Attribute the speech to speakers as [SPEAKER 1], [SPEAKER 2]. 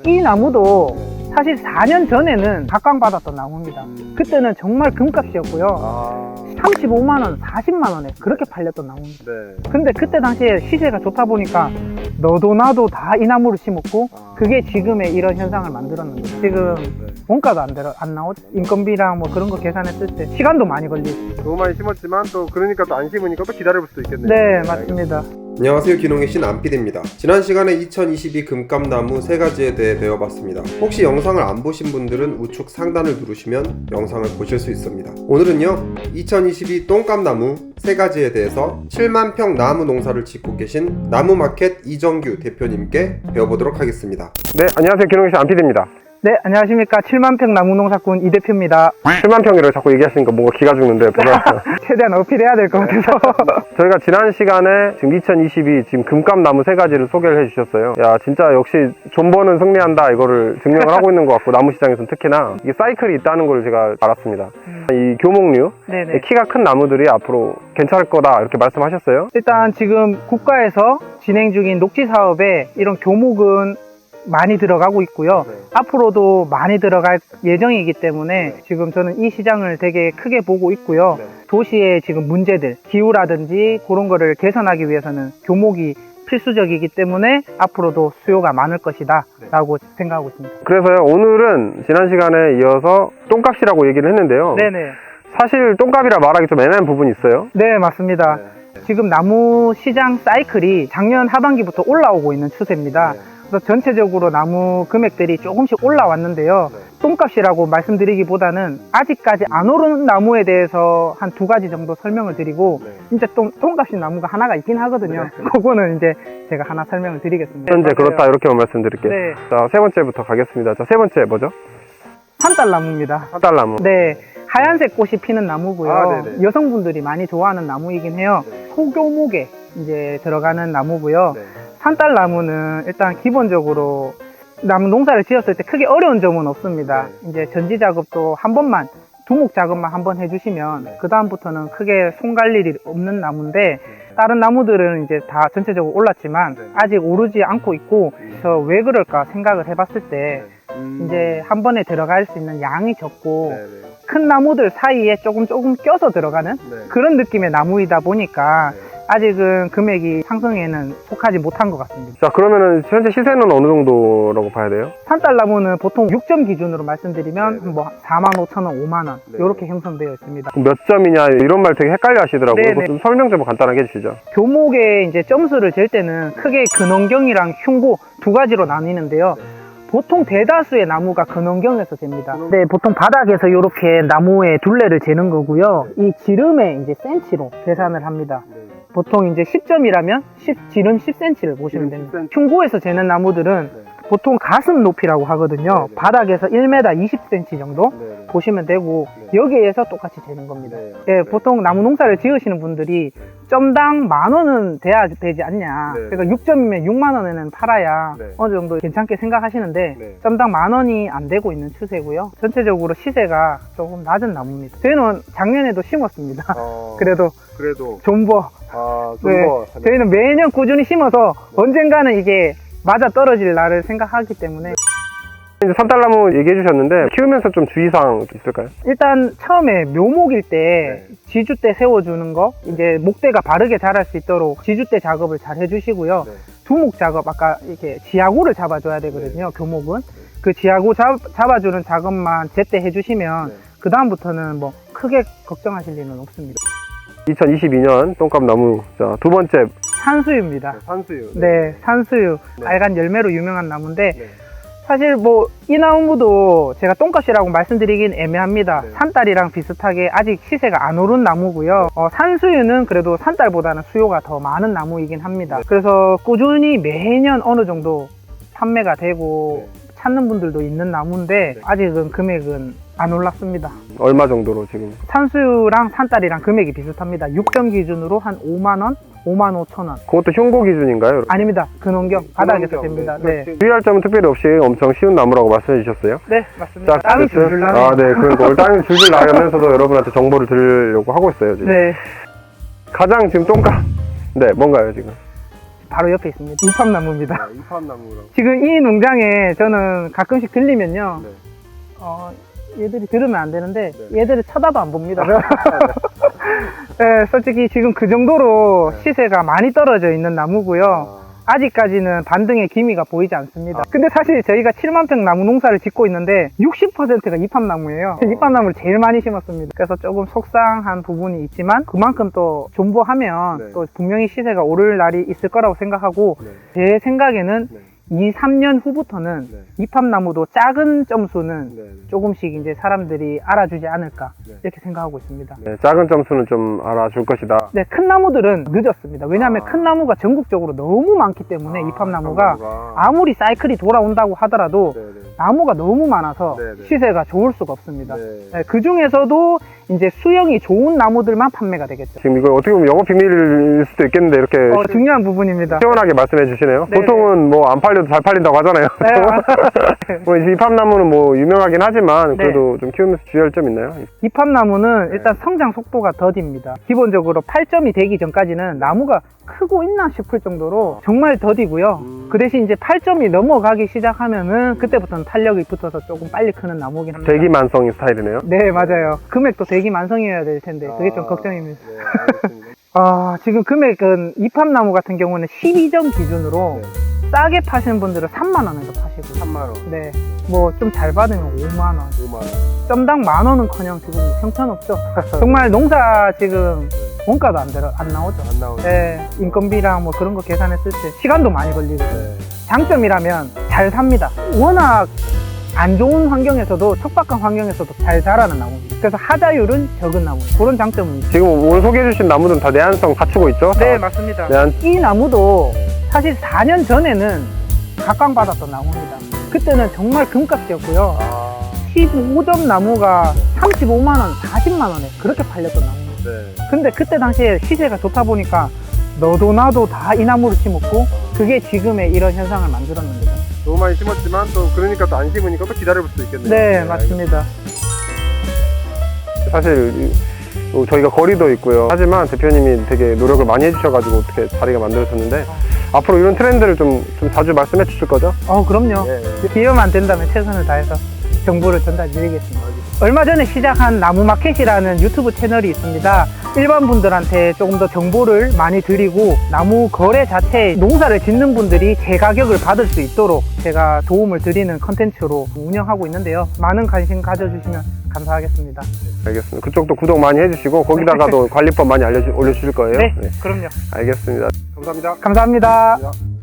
[SPEAKER 1] 이 나무도 사실 4년 전에는 각광받았던 나무입니다. 그때는 정말 금값이었고요. 35만원, 40만원에 그렇게 팔렸던 나무입니다.
[SPEAKER 2] 네.
[SPEAKER 1] 근데 그때 당시에 시세가 좋다 보니까 너도 나도 다 이 나무를 심었고 그게 지금의 이런 현상을 만들었는데 지금 원가도 안 나오죠. 인건비랑 뭐 그런 거 계산했을 때 시간도 많이 걸리고.
[SPEAKER 2] 너무 많이 심었지만 또 그러니까 또 안 심으니까 또 기다려볼 수도 있겠네요.
[SPEAKER 1] 네, 맞습니다.
[SPEAKER 3] 안녕하세요, 기농의 신 안PD입니다. 지난 시간에 2022 금감나무 3가지에 대해 배워봤습니다. 혹시 영상을 안 보신 분들은 우측 상단을 누르시면 영상을 보실 수 있습니다. 오늘은요 2022 똥감나무 3가지에 대해서 7만 평 나무 농사를 짓고 계신 나무마켓 이정규 대표님께 배워보도록 하겠습니다.
[SPEAKER 2] 네, 안녕하세요, 기농의 신 안PD입니다.
[SPEAKER 1] 네, 안녕하십니까. 7만평 나무농사꾼 이 대표입니다.
[SPEAKER 2] 7만 평이라고 자꾸 얘기하시니까 뭔가 기가 죽는데
[SPEAKER 1] 최대한 어필해야 될 것 같아서.
[SPEAKER 2] 저희가 지난 시간에 지금 2022 지금 금감나무 3가지를 소개를 해주셨어요. 야, 진짜 역시 존버는 승리한다, 이거를 증명을 하고 있는 것 같고, 나무 시장에서는 특히나 이게 사이클이 있다는 걸 제가 알았습니다. 이 교목류,
[SPEAKER 1] 네네.
[SPEAKER 2] 키가 큰 나무들이 앞으로 괜찮을 거다 이렇게 말씀하셨어요.
[SPEAKER 1] 일단 지금 국가에서 진행 중인 녹지 사업에 이런 교목은 많이 들어가고 있고요.
[SPEAKER 2] 네.
[SPEAKER 1] 앞으로도 많이 들어갈 예정이기 때문에 지금 저는 이 시장을 되게 크게 보고 있고요.
[SPEAKER 2] 네.
[SPEAKER 1] 도시의 지금 문제들, 기후라든지 그런 거를 개선하기 위해서는 교목이 필수적이기 때문에 앞으로도 수요가 많을 것이다 라고 생각하고 있습니다.
[SPEAKER 2] 그래서요, 오늘은 지난 시간에 이어서 똥값이라고 얘기를 했는데요.
[SPEAKER 1] 네네.
[SPEAKER 2] 사실 똥값이라 말하기 좀 애매한 부분이 있어요.
[SPEAKER 1] 네, 맞습니다. 지금 나무 시장 사이클이 작년 하반기부터 올라오고 있는 추세입니다. 그래서 전체적으로 나무 금액들이 조금씩 올라왔는데요. 똥값이라고 말씀드리기보다는 아직까지 안 오른 나무에 대해서 한 2가지 정도 설명을 드리고 진짜 똥값이 나무가 하나가 있긴 하거든요. 그거는 이제 제가 하나 설명을 드리겠습니다.
[SPEAKER 2] 현재 그렇다 이렇게 말씀드릴게요.
[SPEAKER 1] 네.
[SPEAKER 2] 자, 3번째부터 가겠습니다. 자, 3번째 뭐죠?
[SPEAKER 1] 산딸나무입니다.
[SPEAKER 2] 산딸나무.
[SPEAKER 1] 네, 하얀색 꽃이 피는 나무고요.
[SPEAKER 2] 아, 네네.
[SPEAKER 1] 여성분들이 많이 좋아하는 나무이긴 해요. 소교목에 이제 들어가는 나무고요.
[SPEAKER 2] 네.
[SPEAKER 1] 산딸나무는 일단 기본적으로 나무 농사를 지었을 때 크게 어려운 점은 없습니다. 이제 전지 작업도 한 번만, 두목 작업만 한번 해주시면 그 다음부터는 크게 손 갈 일이 없는 나무인데 다른 나무들은 이제 다 전체적으로 올랐지만 아직 오르지 않고 있고 그래서 왜 그럴까 생각을 해봤을 때 이제 한 번에 들어갈 수 있는 양이 적고 큰 나무들 사이에 조금 껴서 들어가는 그런 느낌의 나무이다 보니까 아직은 금액이 상승에는 속하지 못한 것 같습니다.
[SPEAKER 2] 자, 그러면은 현재 시세는 어느 정도라고 봐야 돼요?
[SPEAKER 1] 산딸나무는 보통 6점 기준으로 말씀드리면 뭐 45,000원, 5만원 이렇게 형성되어 있습니다.
[SPEAKER 2] 몇 점이냐 이런 말 되게 헷갈려 하시더라고요.
[SPEAKER 1] 네네.
[SPEAKER 2] 그거 좀 설명 좀 간단하게 해주시죠.
[SPEAKER 1] 교목에 이제 점수를 잴 때는 크게 근원경이랑 흉고 2가지로 나뉘는데요. 보통 대다수의 나무가 근원경에서 잽니다. 네, 보통 바닥에서 이렇게 나무의 둘레를 재는 거고요. 이 지름의 이제 센치로 계산을 합니다. 보통 이제 10점이라면 지름 10cm를 보시면 됩니다. 흉고에서 재는 나무들은 보통 가슴 높이라고 하거든요. 바닥에서 1m 20cm 정도 보시면 되고 여기에서 똑같이 재는 겁니다. 예, 보통 나무 농사를 지으시는 분들이 점당 10,000원은 돼야 되지 않냐. 그러니까 6점이면 6만원에는 팔아야 어느 정도 괜찮게 생각하시는데 점당 10,000원이 안 되고 있는 추세고요. 전체적으로 시세가 조금 낮은 나무입니다. 저희는 작년에도 심었습니다. 그래도 존버. 네, 저희는 매년 꾸준히 심어서 언젠가는 이게 맞아 떨어질 날을 생각하기 때문에.
[SPEAKER 2] 이제 산딸나무 얘기해 주셨는데 키우면서 좀 주의사항 있을까요?
[SPEAKER 1] 일단 처음에 묘목일 때 지주대 세워주는 거, 이제 목대가 바르게 자랄 수 있도록 지주대 작업을 잘 해주시고요. 두목 작업, 아까 이렇게 지하구를 잡아줘야 되거든요. 교목은 그 지하구 잡아주는 작업만 제때 해주시면 그 다음부터는 뭐 크게 걱정하실 일은 없습니다.
[SPEAKER 2] 2022년 똥값 나무. 자, 2번째
[SPEAKER 1] 산수유입니다.
[SPEAKER 2] 산수유.
[SPEAKER 1] 네, 산수유. 빨간 열매로 유명한 나무인데 사실 뭐 이 나무도 제가 똥값이라고 말씀드리긴 애매합니다. 산딸이랑 비슷하게 아직 시세가 안 오른 나무고요. 산수유는 그래도 산딸보다는 수요가 더 많은 나무이긴 합니다. 그래서 꾸준히 매년 어느 정도 판매가 되고 찾는 분들도 있는 나무인데 아직은 금액은 안 올랐습니다.
[SPEAKER 2] 얼마 정도로 지금?
[SPEAKER 1] 산수유랑 산딸이랑 금액이 비슷합니다. 6점 기준으로 한 5만원, 55,000원.
[SPEAKER 2] 그것도 흉고 기준인가요?
[SPEAKER 1] 아닙니다. 근원경 바닥에서 됩니다. 네.
[SPEAKER 2] 주의할 점은 특별히 없이 엄청 쉬운 나무라고 말씀해 주셨어요.
[SPEAKER 1] 네, 맞습니다.
[SPEAKER 2] 자,
[SPEAKER 1] 땀이 줄줄 나네요.
[SPEAKER 2] 아, 네. 그러니까 오늘 땀이 줄줄 나면서도 여러분한테 정보를 드리려고 하고 있어요, 지금.
[SPEAKER 1] 네.
[SPEAKER 2] 가장 지금 똥값. 네, 뭔가요, 지금?
[SPEAKER 1] 바로 옆에 있습니다. 이팝나무입니다.
[SPEAKER 2] 이팝나무랑.
[SPEAKER 1] 지금 이 농장에 저는 가끔씩 들리면요.
[SPEAKER 2] 네.
[SPEAKER 1] 얘들이 들으면 안 되는데
[SPEAKER 2] 네.
[SPEAKER 1] 얘들을 쳐다도 안 봅니다. 네, 솔직히 지금 그 정도로
[SPEAKER 2] 네.
[SPEAKER 1] 시세가 많이 떨어져 있는 나무고요. 아직까지는 반등의 기미가 보이지 않습니다. 근데 사실 저희가 7만 평 나무 농사를 짓고 있는데 60%가 이팝나무예요. 이팝나무를 제일 많이 심었습니다. 그래서 조금 속상한 부분이 있지만 그만큼 또 존버하면
[SPEAKER 2] 네.
[SPEAKER 1] 또 분명히 시세가 오를 날이 있을 거라고 생각하고
[SPEAKER 2] 네.
[SPEAKER 1] 제 생각에는
[SPEAKER 2] 네.
[SPEAKER 1] 2, 3년 후부터는
[SPEAKER 2] 네.
[SPEAKER 1] 이팝나무도 작은 점수는
[SPEAKER 2] 네.
[SPEAKER 1] 조금씩 이제 사람들이 알아주지 않을까
[SPEAKER 2] 네.
[SPEAKER 1] 이렇게 생각하고 있습니다.
[SPEAKER 2] 네, 작은 점수는 좀 알아줄 것이다.
[SPEAKER 1] 네, 큰 나무들은 늦었습니다. 왜냐하면 큰 나무가 전국적으로 너무 많기 때문에 이팝나무가 아무리 사이클이 돌아온다고 하더라도
[SPEAKER 2] 네네.
[SPEAKER 1] 나무가 너무 많아서
[SPEAKER 2] 네네.
[SPEAKER 1] 시세가 좋을 수가 없습니다.
[SPEAKER 2] 네.
[SPEAKER 1] 네, 그 중에서도 이제 수영이 좋은 나무들만 판매가 되겠죠.
[SPEAKER 2] 지금 이거 어떻게 보면 영업 비밀일 수도 있겠는데 이렇게
[SPEAKER 1] 중요한 부분입니다.
[SPEAKER 2] 시원하게 말씀해 주시네요.
[SPEAKER 1] 네네.
[SPEAKER 2] 보통은 뭐 안 팔려도 잘 팔린다고 하잖아요.
[SPEAKER 1] 네,
[SPEAKER 2] 뭐 이팝나무는 뭐 유명하긴 하지만 그래도 좀 키우면서 주의할 점 있나요?
[SPEAKER 1] 이팝나무는 일단 성장 속도가 더딥니다. 기본적으로 8점이 되기 전까지는 나무가 크고 있나 싶을 정도로 정말 더디고요. 그 대신 이제 8점이 넘어가기 시작하면은 그때부터는 탄력이 붙어서 조금 빨리 크는 나무긴 합니다.
[SPEAKER 2] 대기만성인 스타일이네요.
[SPEAKER 1] 네, 맞아요. 금액도 대기만성이어야 될 텐데 그게 좀 걱정입니다.
[SPEAKER 2] 네, 알겠습니다.
[SPEAKER 1] 지금 금액은 이팝나무 같은 경우는 12점 기준으로 싸게 파시는 분들은 3만원에서 파시고
[SPEAKER 2] 3만원,
[SPEAKER 1] 네, 뭐 좀 잘 받으면 5만원
[SPEAKER 2] 5만원.
[SPEAKER 1] 점당 만원은커녕 지금 형편없죠. 정말 농사 지금 원가도 안 나오죠.
[SPEAKER 2] 안 나오네.
[SPEAKER 1] 네, 인건비랑 뭐 그런 거 계산했을 때 시간도 많이 걸리고
[SPEAKER 2] 네.
[SPEAKER 1] 장점이라면 잘 삽니다. 워낙 안 좋은 환경에서도 척박한 환경에서도 잘 자라는 나무입니다. 그래서 하자율은 적은 나무 그런 장점은 있죠.
[SPEAKER 2] 지금 오늘 소개해 주신 나무들은 다 내한성 갖추고 있죠?
[SPEAKER 1] 네, 맞습니다.
[SPEAKER 2] 내한...
[SPEAKER 1] 이 나무도 사실 4년 전에는 각광받았던 나무입니다. 그때는 정말 금값이었고요. 15점 나무가 35만원, 40만원에 그렇게 팔렸던 나무입니다.
[SPEAKER 2] 네.
[SPEAKER 1] 근데 그때 당시에 시세가 좋다 보니까 너도 나도 다 이 나무를 심었고 그게 지금의 이런 현상을 만들었는 거죠.
[SPEAKER 2] 너무 많이 심었지만 또 그러니까 또 안 심으니까 또 기다려볼 수도 있겠네요.
[SPEAKER 1] 네, 맞습니다.
[SPEAKER 2] 사실 저희가 거리도 있고요. 하지만 대표님이 되게 노력을 많이 해주셔가지고 어떻게 자리가 만들어졌는데 앞으로 이런 트렌드를 좀 자주 말씀해 주실 거죠?
[SPEAKER 1] 그럼요.
[SPEAKER 2] 네.
[SPEAKER 1] 기회만 된다면 최선을 다해서 정보를 전달드리겠습니다. 얼마 전에 시작한 나무마켓이라는 유튜브 채널이 있습니다. 일반 분들한테 조금 더 정보를 많이 드리고 나무 거래 자체 농사를 짓는 분들이 제 가격을 받을 수 있도록 제가 도움을 드리는 컨텐츠로 운영하고 있는데요. 많은 관심 가져주시면 감사하겠습니다.
[SPEAKER 2] 알겠습니다. 그쪽도 구독 많이 해주시고 거기다가도 관리법 많이 올려주실 거예요?
[SPEAKER 1] 네, 그럼요.
[SPEAKER 2] 알겠습니다. 감사합니다.
[SPEAKER 1] 감사합니다.
[SPEAKER 2] 감사합니다.